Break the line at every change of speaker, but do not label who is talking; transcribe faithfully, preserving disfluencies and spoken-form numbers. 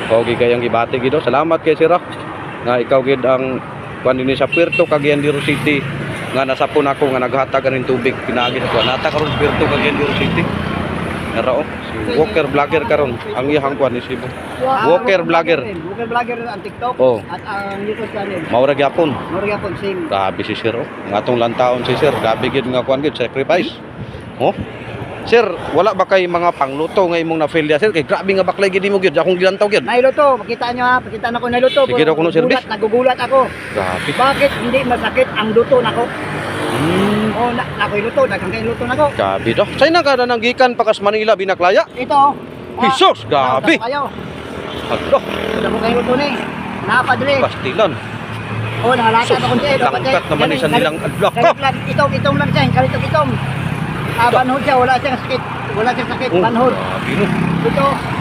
Okay kayang gibati gido. Salamat kay sir. ah. Nga ikaw gid ang kuan dinhi sa Puerto Caguiandiro City nga nasapon ako nga naghatag kaning tubig pinaagi sa kuan. Nata karon Puerto Caguiandiro City. Nara oh, si Walker Vlogger karon ang iyang kuan ni Sibo. Walker Vlogger.
Walker Vlogger ang TikTok
Oh.
at ang YouTube channel.
Maura gyapon.
Mori gyapon sing.
Grabe si sir oh. Nga atong lantaon si sir. Grabe gid nga kuan gid sacrifice. Oh. Sir, wala ba kay mga pangluto nga imong na-fail ya sir? Kay grabe nga baklay gid mo gid akong gilantaw gid.
Nailuto, pakita nyo ha, pakita na ko nailuto.
Sige daw kuno service.
Nagugulat ako.
Grabe.
Bakit hindi masakit ang luto nako?
Hmm.
Oh, na nakoy luto, daghang kay luto nako.
Grabe daw. Say na kada nang gikan pakas Manila binaklaya.
Ito.
Jesus, grabe.
Kayo.
Alo,
Damo kay luto ni. Napadre.
pastilan.
Oh, nahalata
Sus,
ako kun
langkat naman isa nilang adlok ko.
Itong itong lang siya, kalitok itong. Ah, banhod siya, wala siyang sakit. Wala siyang sakit,
Oh,
banhod.
grabe no.
Ito,